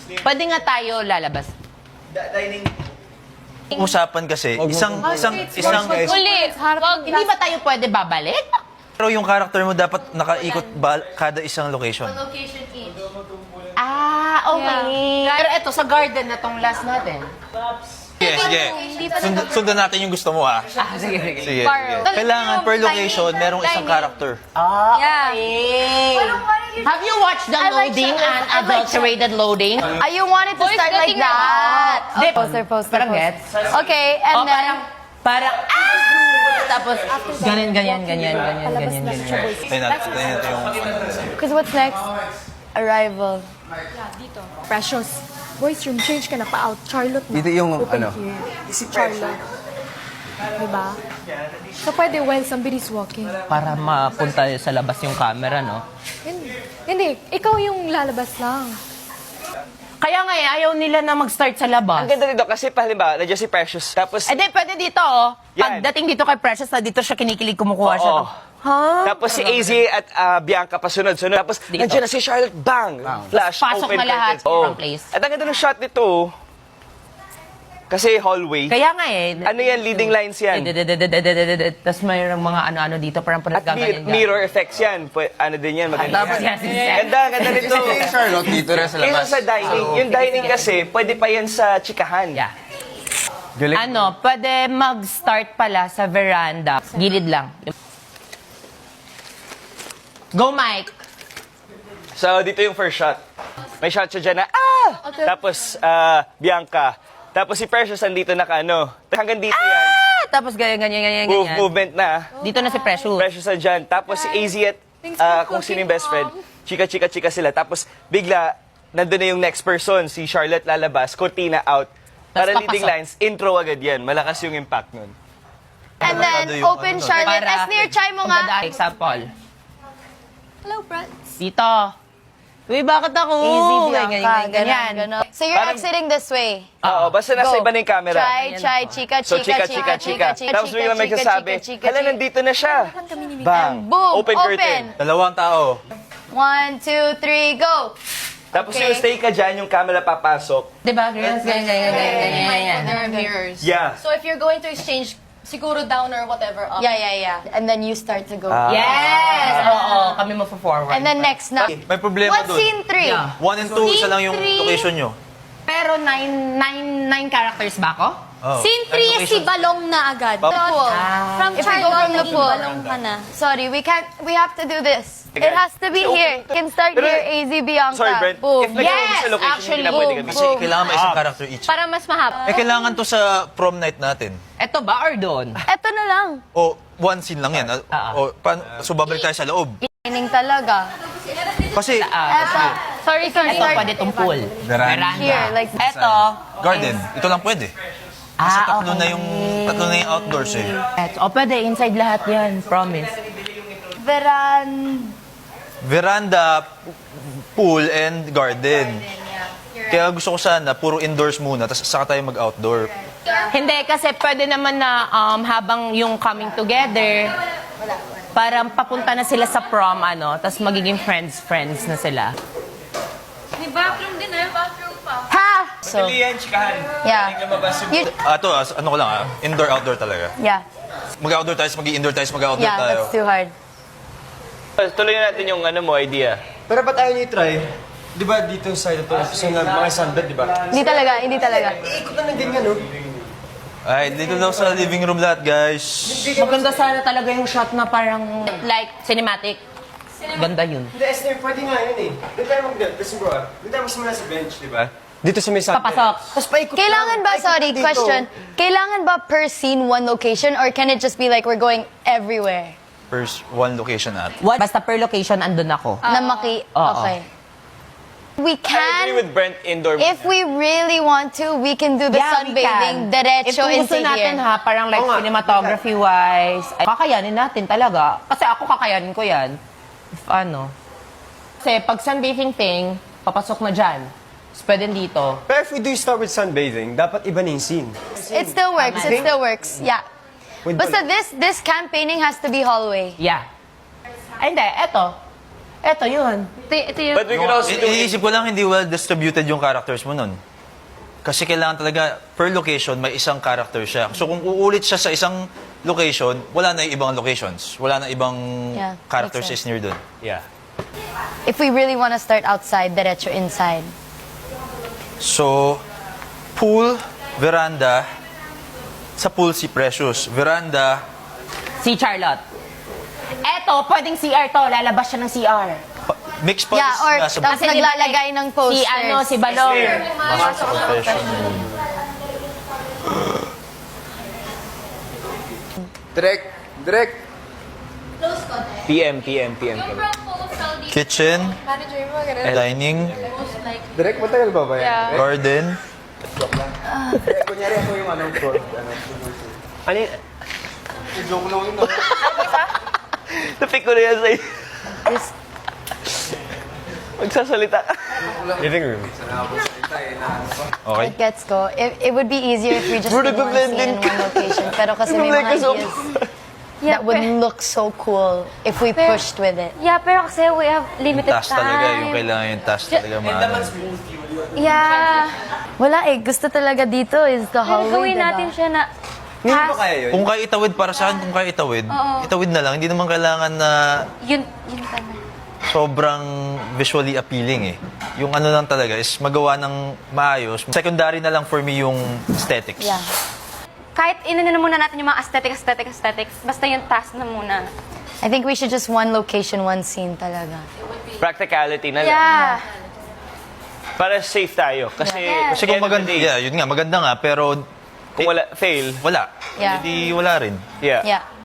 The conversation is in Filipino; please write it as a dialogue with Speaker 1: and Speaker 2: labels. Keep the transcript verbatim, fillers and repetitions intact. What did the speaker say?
Speaker 1: Pwede nga tayo lalabas.
Speaker 2: Dining. Usapan kasi, isang,
Speaker 3: Oh,
Speaker 2: isang,
Speaker 3: wait,
Speaker 2: isang,
Speaker 3: wait,
Speaker 4: Uli, wag.
Speaker 1: Hindi ba tayo pwede babalik?
Speaker 2: pero yung character mo dapat nakaikot ba kada isang location.
Speaker 4: Location each.
Speaker 1: Ah, okay. Pero eto, sa garden na tong last natin.
Speaker 2: Sige, sige. Sundan, sundan natin yung gusto mo, ha?
Speaker 1: Ah, sige, sige.
Speaker 2: Sige,
Speaker 4: Borrow.
Speaker 2: sige. Kailangan per location, merong isang
Speaker 4: Dining.
Speaker 2: character.
Speaker 1: Ah,
Speaker 4: Yeah.
Speaker 1: okay. Have you watched the
Speaker 4: I like
Speaker 1: loading
Speaker 4: that.
Speaker 1: and
Speaker 4: I like
Speaker 1: adulterated loading?
Speaker 4: Ah, you wanted to
Speaker 1: Boys,
Speaker 4: start like
Speaker 1: dating na.
Speaker 4: that.
Speaker 1: Di,
Speaker 4: Poster, poster,
Speaker 1: parang
Speaker 4: poster.
Speaker 1: gets?
Speaker 4: Okay, and
Speaker 1: Oh,
Speaker 4: then...
Speaker 1: parang, parang, ah! Tapos, ganyan, ganyan, ganyan, ganyan, ganyan, ganyan.
Speaker 2: Tayo natin, tayo natin yung...
Speaker 4: Because what's next? Arrival.
Speaker 3: Precious. Boys room, change ka na pa out. Charlotte na.
Speaker 5: Dito yung,
Speaker 3: Open
Speaker 5: ano?
Speaker 3: here. Charlotte. Diba? So pwede while somebody's walking.
Speaker 1: Para mapunta sa labas yung camera, no?
Speaker 3: Hindi. Hindi. Ikaw yung lalabas lang.
Speaker 1: Kaya nga eh, ayaw nila na mag-start sa labas.
Speaker 5: Ang ganda dito kasi, halimbawa, nandiyan si Precious. Tapos,
Speaker 1: Eh di, pwede dito, oh.
Speaker 5: Yan.
Speaker 1: Pagdating dito kay Precious, na dito siya kinikilig kumukuha siya.
Speaker 5: Oo.
Speaker 1: Ha?
Speaker 5: tapos si A Z at ah, Bianca pasunod-sunod. Tapos,
Speaker 1: Dito.
Speaker 5: nandiyan na si Charlotte, bang! Flash,
Speaker 1: Pasok
Speaker 5: open
Speaker 1: na lahat
Speaker 5: curtains. Oo.
Speaker 1: from place.
Speaker 5: At ang ganda ng shot nito, kasi hallway.
Speaker 1: Kaya nga eh.
Speaker 5: Ano yan, leading lines yan.
Speaker 1: Tapos mayroong mga ano-ano dito, parang
Speaker 5: At mir- mirror effects yan. Pwe- ano din yan, maganda.
Speaker 1: Tapos yan, si
Speaker 5: Ganda, ganda nito.
Speaker 6: Charlotte dito rin sa
Speaker 5: Kaysa
Speaker 6: labas.
Speaker 5: sa dining. Yung dining kasi, pwede pa yan sa chikahan.
Speaker 1: Yeah.
Speaker 6: Galing.
Speaker 1: Ano, pwede mag-start pala sa veranda. Gilid lang. Go, Mike!
Speaker 5: So, dito yung first shot. May shot siya dyan na, ah! Tapos, ah, Bianca. Tapos si Precious andito na ano. Hanggang dito yan.
Speaker 1: Ah! Tapos ganyan, ganyan, ganyan,
Speaker 5: Move,
Speaker 1: ganyan.
Speaker 5: movement na.
Speaker 1: Dito na si Precious.
Speaker 5: Precious andyan. Tapos si A Z at ah, kung sino yung best friend. Chika, chika, chika sila. Tapos bigla, nandun na yung next person. Si Charlotte lalabas. Cortina out. Para
Speaker 1: Tas
Speaker 5: leading
Speaker 1: papasok.
Speaker 5: lines, intro agad yan. Malakas yung impact nun.
Speaker 4: And then,
Speaker 2: yung
Speaker 4: open
Speaker 2: ano,
Speaker 4: Charlotte. As near chai mo nga.
Speaker 1: Pagdadaan, example.
Speaker 4: Hello, friends.
Speaker 1: Dito. Uy, bakit ako?
Speaker 4: Easy,
Speaker 1: Ganyan,
Speaker 4: Bianca.
Speaker 1: ganyan, ganyan.
Speaker 4: Ganon, ganon. So you're
Speaker 5: Parang-
Speaker 4: exiting this way.
Speaker 5: Oo, basta nasa
Speaker 4: Go.
Speaker 5: iba na yung camera.
Speaker 4: Chai, chai, chika,
Speaker 5: So,
Speaker 4: chika,
Speaker 5: chika, chika, chika.
Speaker 4: chika,
Speaker 5: Tapos
Speaker 4: chika,
Speaker 5: bigla may
Speaker 4: chika,
Speaker 5: kasabi,
Speaker 4: chika, chika,
Speaker 5: hala,
Speaker 4: chika.
Speaker 5: nandito na siya. Bang!
Speaker 4: Boom,
Speaker 5: Open curtain.
Speaker 2: Dalawang tao.
Speaker 4: One, two, three, go.
Speaker 5: Tapos
Speaker 4: Okay.
Speaker 5: yung stay ka dyan, yung camera papasok.
Speaker 1: Diba? Ganyan, ganyan, ganyan, ganyan, ganyan, ganyan.
Speaker 7: There are mirrors.
Speaker 5: Yeah.
Speaker 7: So if you're going to exchange siguro down or whatever up.
Speaker 4: Yeah, yeah, yeah. And then you start to go.
Speaker 5: Ah.
Speaker 1: Yes! Oo, kami mo-forward.
Speaker 4: And then next na.
Speaker 2: May problema
Speaker 4: What's
Speaker 2: dun.
Speaker 4: scene three?
Speaker 1: Yeah.
Speaker 2: One and two, isa lang yung
Speaker 4: three.
Speaker 2: location nyo.
Speaker 1: Pero nine, nine, nine characters ba ako?
Speaker 2: Oh.
Speaker 3: Scene three is si Balong na agad.
Speaker 4: The pool.
Speaker 3: From
Speaker 4: If we go
Speaker 3: Charlotte,
Speaker 4: from the
Speaker 3: naging
Speaker 4: pool.
Speaker 3: Balong ka na.
Speaker 4: Sorry, we can't, we have to do this. It has to be here. Can start
Speaker 5: Pero-
Speaker 4: here, A Z Bianca.
Speaker 5: Sorry, Brent.
Speaker 4: Boom.
Speaker 5: If nagkaroon
Speaker 1: Yes,
Speaker 5: sa location,
Speaker 1: actually,
Speaker 5: hindi na pwede
Speaker 4: boom,
Speaker 5: kami.
Speaker 2: Kasi kailangan may isang character each.
Speaker 4: Para mas mahaba.
Speaker 2: Eh, kailangan to sa prom night natin.
Speaker 1: Eto ba or doon?
Speaker 4: Eto na lang.
Speaker 2: O, one scene lang yan.
Speaker 1: Ah.
Speaker 2: O, pan, so, babalik tayo sa loob.
Speaker 4: Training talaga.
Speaker 2: Kasi,
Speaker 1: Ah,
Speaker 4: Eto. Sorry, sorry,
Speaker 1: Eto,
Speaker 4: sorry.
Speaker 1: pwede itong pool.
Speaker 6: Veranda.
Speaker 4: Here, like
Speaker 1: Eto.
Speaker 2: garden, ito lang pwede. Kasi
Speaker 1: Ah,
Speaker 2: tatlo na yung, tatlo na yung outdoors eh.
Speaker 1: Eto. O, pwede. Inside lahat yan. Promise.
Speaker 4: Veran...
Speaker 2: Veranda, pool, and garden. Kaya gusto ko sana, puro indoors muna, tapos saka tayo mag-outdoor.
Speaker 1: Hindi, kasi pwede naman na um, habang yung coming together, parang papunta na sila sa prom, ano, tapos magiging friends-friends na sila.
Speaker 7: May bathroom din eh. Bathroom pa.
Speaker 4: Ha! So,
Speaker 5: Hindi yan, chikahan.
Speaker 4: yeah. You,
Speaker 2: Ah, ito, ah, ano ko lang ah, indoor-outdoor talaga.
Speaker 4: yeah.
Speaker 2: Mag-outdoor tayo, mag-indoor tayo, mag-outdoor
Speaker 4: Yeah,
Speaker 2: tayo.
Speaker 4: that's too hard.
Speaker 5: Tuloy natin yung ano mo, idea.
Speaker 6: Pero ba't ayaw niyo i-try? Di ba dito sa ito, sa mga sunbed, di ba?
Speaker 4: Hindi talaga, hindi talaga.
Speaker 6: Ikot na ng ganyan, no?
Speaker 2: Ay, dito daw sa living room lahat, guys.
Speaker 1: Maganda sana talaga yung shot na parang like cinematic. Ganda yun.
Speaker 6: Hindi, Esther, pwede nga yun eh. Doon tayo mag- listen bro, ah. Doon tayo magsimula sa bench, di ba? Dito sa may sunbed.
Speaker 1: Papasok.
Speaker 6: Tapos paikot
Speaker 4: Kailangan
Speaker 6: lang.
Speaker 4: ba,
Speaker 6: Paikot
Speaker 4: sorry,
Speaker 6: dito.
Speaker 4: question. Kailangan ba per scene one location or can it just be like we're going everywhere?
Speaker 2: First, one location at.
Speaker 1: What? Basta per location, andun ako.
Speaker 4: Na maki...
Speaker 1: Oo.
Speaker 4: Okay. We
Speaker 5: I agree
Speaker 4: can...
Speaker 5: with Brent, indoor.
Speaker 4: If we really want to, we can do the
Speaker 1: Yeah, we
Speaker 4: sunbathing
Speaker 1: can.
Speaker 4: diretso
Speaker 1: If kung gusto
Speaker 4: into
Speaker 1: natin
Speaker 4: here.
Speaker 1: ha, parang like
Speaker 6: Oo nga.
Speaker 1: cinematography-wise, ay, kakayanin natin talaga. Kasi ako kakayanin ko yan. If ano. Kasi pag sunbathing thing, papasok na dyan. Tapos pwede dito.
Speaker 6: Pero if we do start with sunbathing, dapat iba na yung scene.
Speaker 4: It still works, it
Speaker 6: Think-
Speaker 4: still works. Yeah.
Speaker 6: With
Speaker 4: Basta this this campaigning has to be hallway.
Speaker 1: Yeah. Ay, hindi. Eto. Eto yun.
Speaker 7: Ito, ito yung...
Speaker 5: But we could also
Speaker 2: I-
Speaker 5: do
Speaker 2: Iniisip ko lang hindi well distributed yung characters mo nun. Kasi kailangan talaga, per location, may isang character siya. So kung uulit siya sa isang location, wala na yung ibang locations. Wala na ibang
Speaker 4: Yeah,
Speaker 2: characters
Speaker 4: makes
Speaker 2: is near dun.
Speaker 5: Yeah.
Speaker 4: If we really want to start outside, diretso inside.
Speaker 2: So, pool, veranda, sa pool si Precious. Veranda,
Speaker 1: Si Charlotte. Eto, pwedeng C R to. Lalabas siya ng C R.
Speaker 2: pa- mix pa
Speaker 4: Yeah, or
Speaker 2: nasa
Speaker 4: tapos
Speaker 1: Kasi di ba,
Speaker 4: naglalagay ng posters.
Speaker 1: Si ano, si Balong.
Speaker 2: professional.
Speaker 6: Direct, direct.
Speaker 5: P M, P M, P M.
Speaker 7: Yung proposal dito,
Speaker 2: Kitchen,
Speaker 3: Manager mo, ganun.
Speaker 2: dining,
Speaker 7: most likely.
Speaker 6: Direct, matagal ba ba yan?
Speaker 3: Yeah.
Speaker 2: garden,
Speaker 6: Kunyari ako yung ano, pro, ano,
Speaker 5: Ano yun?
Speaker 6: joke lang yun.
Speaker 5: Napick ko na yan sa'yo.
Speaker 4: This-
Speaker 5: Magsasalita ka.
Speaker 6: Living room.
Speaker 2: okay?
Speaker 4: It gets go. It, it would be easier if we just
Speaker 5: Bro,
Speaker 4: did one
Speaker 5: nagbe-blend
Speaker 4: scene in
Speaker 5: din
Speaker 4: one location. Pero kasi may
Speaker 5: Nagbe-blend
Speaker 4: mga
Speaker 5: ka so-
Speaker 4: ideas that would look so cool if we pushed with it.
Speaker 7: Yeah, pero kasi we have limited
Speaker 2: Task
Speaker 7: time.
Speaker 2: talaga, yung kailangan yung task talaga maano.
Speaker 7: Yeah.
Speaker 4: Wala eh. Gusto talaga dito is the
Speaker 7: Pero
Speaker 4: hallway,
Speaker 7: gawin
Speaker 4: diba?
Speaker 7: natin siya na
Speaker 6: Hindi ba kaya yun?
Speaker 2: Kung kaya itawid para sa akin, kung kaya itawid, itawid na lang. Hindi naman kailangan na
Speaker 7: yun, yun tama.
Speaker 2: sobrang visually appealing eh. Yung ano lang talaga is magawa ng maayos. Secondary na lang for me yung aesthetics.
Speaker 4: Yeah.
Speaker 7: Kahit inano na muna natin yung mga aesthetic, aesthetic, aesthetics, basta yung task na muna.
Speaker 4: I think we should just one location, one scene talaga.
Speaker 5: Practicality na lang.
Speaker 7: Yeah.
Speaker 5: Para safe tayo. Kasi,
Speaker 2: Kasi kung maganda,
Speaker 5: yeah.
Speaker 2: yeah, yun nga, maganda nga, pero
Speaker 5: kung wala, fail,
Speaker 2: wala.
Speaker 4: Yeah.
Speaker 2: Hindi wala rin.
Speaker 5: yeah.
Speaker 4: Yeah.